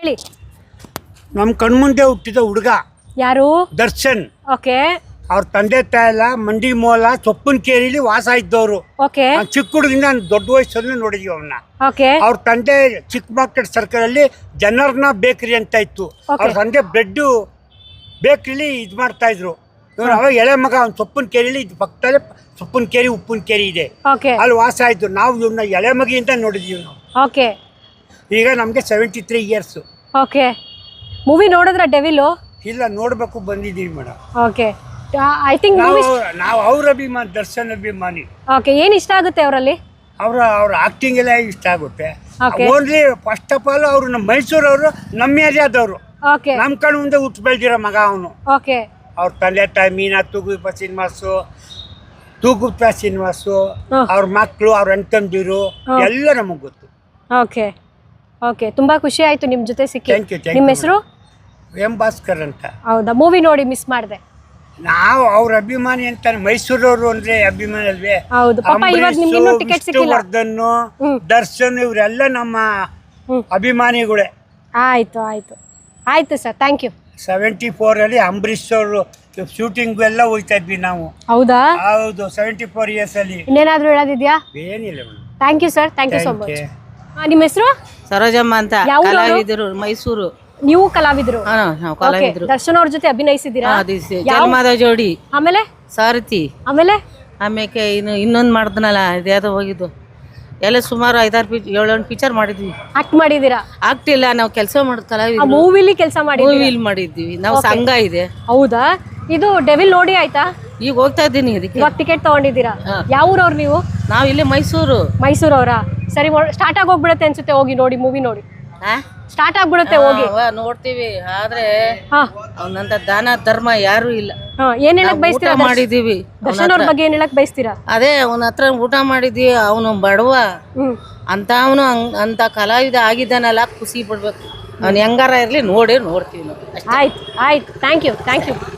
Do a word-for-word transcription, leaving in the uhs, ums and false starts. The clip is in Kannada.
ನಮ್ಮ ಕಣ್ಮುಂದೆ ಹುಟ್ಟಿದ ಹುಡುಗ ಯಾರು? ದರ್ಶನ್. ಓಕೆ ಅವ್ರ ತಂದೆ ತಾಯೆಲ್ಲ ಮಂಡಿ ಮೂಲ ಸೊಪ್ಪನ್ ಕೇರಿಲಿ ವಾಸ ಇದ್ದವರು. ಓಕೆ ಚಿಕ್ಕ ಹುಡುಗಿಂದ ನಾನು ದೊಡ್ಡ ವಯಸ್ಸಲ್ಲಿ ನೋಡಿದೀವಿ ಅವನ್ನ. ಓಕೆ ಅವ್ರ ತಂದೆ ಚಿಕ್ಕ ಮಾರ್ಕೆಟ್ ಸರ್ಕಲ್ ಅಲ್ಲಿ ಜನರ್ನ ಬೇಕರಿ ಅಂತ ಇತ್ತು. ಅವ್ರ ತಂದೆ ಬ್ರೆಡ್ ಬೇಕರಿಲಿ ಇದು ಮಾಡ್ತಾ ಇದ್ರು. ಇವ್ರು ಅವಾಗ ಎಳೆ ಮಗ ಅವ್ನ ಸೊಪ್ಪನ್ ಕೇರಿಲಿ ಇದು ಪಕ್ಕದಲ್ಲೇ ಸೊಪ್ಪನ್ ಕೇರಿ ಉಪ್ಪಿನ ಕೇರಿ ಇದೆ, ಓಕೆ ಅಲ್ಲಿ ವಾಸ ಇದ್ದು. ನಾವು ಇವ್ನ ಎಳೆ ಮಗಿಯಿಂದ ನೋಡಿದೀವಿ ನಾವು. ಓಕೆ ಈಗ ನಮಗೆ seventy three years. Okay movie ನೋಡಿದ್ರ ಡೆವಿಲು? ಇಲ್ಲ, ನೋಡ್ಬೇಕು ಬಂದಿದ್ದೀವಿ ಮೇಡಮ್. ಓಕೆ ಐ ಥಿಂಕ್ ನಾವು ನಾವು ಅವ್ರ ಅಭಿಮಾನಿ, ದರ್ಶನ್ ಅಭಿಮಾನಿ. ಓಕೆ ಏನು ಇಷ್ಟ ಆಗುತ್ತೆ ಅವರಲ್ಲಿ? ಅವರ ಅವ್ರ ಆಕ್ಟಿಂಗ್ ಎಲ್ಲ ಇಷ್ಟ ಆಗುತ್ತೆ. Okay. Only first of all ಅವರು ನಮ್ಮ ಮೈಸೂರವರು, ನಮ್ಮ ಏರಿಯಾದವರು. ಓಕೆ ನಮ್ಮ ಕಣ್ಣು ಮುಂದೆ ಹುಟ್ಟು ಬೆಳೆದಿರೋ ಮಗ ಅವನು. ಓಕೆ ಅವ್ರ ತಂದೆ ತಾಯಿ ಮೀನಾ ತೂಗುಪ್ಪ ಶ್ರೀನಿವಾಸು, ತೂಗುಪ್ಪ ಶ್ರೀನಿವಾಸು, ಅವ್ರ ಮಕ್ಕಳು, ಅವ್ರ ಅಣ್ತಂದಿರು ಎಲ್ಲ ನಮಗೆ ಗೊತ್ತು. ಓಕೆ ಓಕೆ ತುಂಬಾ ಖುಷಿ ಆಯ್ತು ನಿಮ್ಮ ಜೊತೆ ಸಿಕ್ಕಿ. Thank you. ನಿಮ್ಮ ಹೆಸರು? ಎಂ ಭಾಸ್ಕರ್ ಅಂತ. ಹೌದಾ, ಮೂವಿ ನೋಡಿ ಮಿಸ್ ಮಾಡಿದೆ. ನಾವು ಅವ್ರ ಅಭಿಮಾನಿ ಅಂತ, ಮೈಸೂರವರು ಅಂದ್ರೆ ಅಭಿಮಾನಿ ಅಲ್ವೇ. ಹೌದು ಪಾಪ, ಇವಾಗ ನಿಮ್ಗೆ ಇನ್ನೂ ಟಿಕೆಟ್ ಸಿಕ್ಕಿಲ್ಲ. ವಿಷ್ಣುವರ್ಧನ್, ದರ್ಶನ್ ಇವರೆಲ್ಲ ನಮ್ಮ ಅಭಿಮಾನಿಗಳೇ. ಆಯ್ತು ಆಯ್ತು ಆಯ್ತು sir, thank you. Seventy four ಅಲ್ಲಿ ಅಂಬರೀಶ್ ಅವರು ಶೂಟಿಂಗ್ ಎಲ್ಲ ಹೋಗ್ತಾ ಇದ್ವಿ ನಾವು. ಹೌದಾ? ಹೌದು, ಸೆವೆಂಟಿ ಫೋರ್ ಇಯರ್ಸ್ ಅಲ್ಲಿ. ಇನ್ನೇನಾದ್ರೂ ಹೇಳೋದಿದ್ಯಾ? ಏನಿಲ್ಲ madam. Thank you sir, thank you so much. ನಿಮ್ಮ ಹೆಸರು? ಸರೋಜಮ್ಮ ಅಂತ, ಯಾವ ಊರವ್ರು? ಕಲಾವಿದರು, ಮೈಸೂರು. ನೀವು ಕಲಾವಿದರು? ಹಾ, ನಾವು ಕಲಾವಿದರು. ದರ್ಶನ್ ಅವ್ರ ಜೊತೆ ಅಭಿನಯಿಸಿದ್ದೀರಾ? ಜನ್ಮದ ಜೋಡಿ. ಆಮೇಲೆ ಸಾರಥಿ. ಆಮೇಲೆ ಆಮೇಲೆ ಇನ್ನು ಇನ್ನೊಂದು ಮಾಡಿದ್ನಲ್ಲ, ಇದ್ಯಾವುದೋ ಹೋಗಿದ್ದು ಎಲ್ಲ ಸುಮಾರು ಐದಾರು ಪಿಚ್ ಏಳೆಂಟು ಪಿಕ್ಚರ್ ಮಾಡಿದ್ವಿ. ಆಕ್ಟ್ ಮಾಡಿದ್ದೀರಾ? ಆಗ್ತಿಲ್ಲ, ನಾವು ಕೆಲಸ ಮಾಡೋದು ಆ ಕಲಾವಿದರು. ಮೂವಿಲಿ ಕೆಲಸ ಮಾಡಿ ಮೂವಿಲಿ ಮಾಡಿದ್ವಿ ನಾವು. ಸಂಘ ಇದೆ. ಹೌದಾ? ಇದು ಡೆವಿಲ್ ನೋಡಿ ಆಯ್ತಾ? ಈಗ ಹೋಗ್ತಾ ಇದ್ದೀನಿ ಅದಕ್ಕೆ. ಇವಾಗ ಟಿಕೆಟ್ ತಗೊಂಡಿದ್ದೀರಾ? ಯಾವ ಊರವ್ರು ನೀವು? ನಾವು ಇಲ್ಲೇ ಮೈಸೂರು. ಮೈಸೂರವರಾ? ಸರಿ, ಸ್ಟಾರ್ಟ್ ಆಗಿ ಹೋಗ್ಬಿಡುತ್ತೆ ಅನ್ಸುತ್ತೆ, ಹೋಗಿ ನೋಡಿ ಮೂವಿ ನೋಡಿ. ಹಾ, ಸ್ಟಾರ್ಟ್ ಆಗ್ಬಿಡುತ್ತೆ, ಹೋಗಿ. ಅವ ನೋಡ್ತೀವಿ, ಆದ್ರೆ ಹಾ ಅವನಂತ ದಾನ ಧರ್ಮ ಯಾರು ಇಲ್ಲ. ಹಾ ಏನ್ ಹೇಳಕ್ ಊಟ ಬಯಸ್ತೀರಾ? ಮಾಡಿದೀವಿ. ದರ್ಶನ್ ಅವ್ರ ಬಗ್ಗೆ ಏನ್ ಹೇಳಕ್ ಬಯಸ್ತೀರಾ? ಅದೇ ಅವನ ಹತ್ರ ಊಟ ಮಾಡಿದ್ವಿ. ಅವನು ಬಡವ ಹ್ಮ್ ಅಂತ, ಅವನು ಅಂತ ಕಲಾವಿದ ಆಗಿದ್ದಾನಲ್ಲ, ಖುಷಿ ಪಡ್ಬೇಕು. ಅವ್ನು ಹೆಂಗಾರ ಇರ್ಲಿ, ನೋಡಿ ನೋಡ್ತೀವಿ ನಾವು. ಆಯ್ತು ಆಯ್ತು, ಥ್ಯಾಂಕ್ ಯು ಥ್ಯಾಂಕ್ ಯು.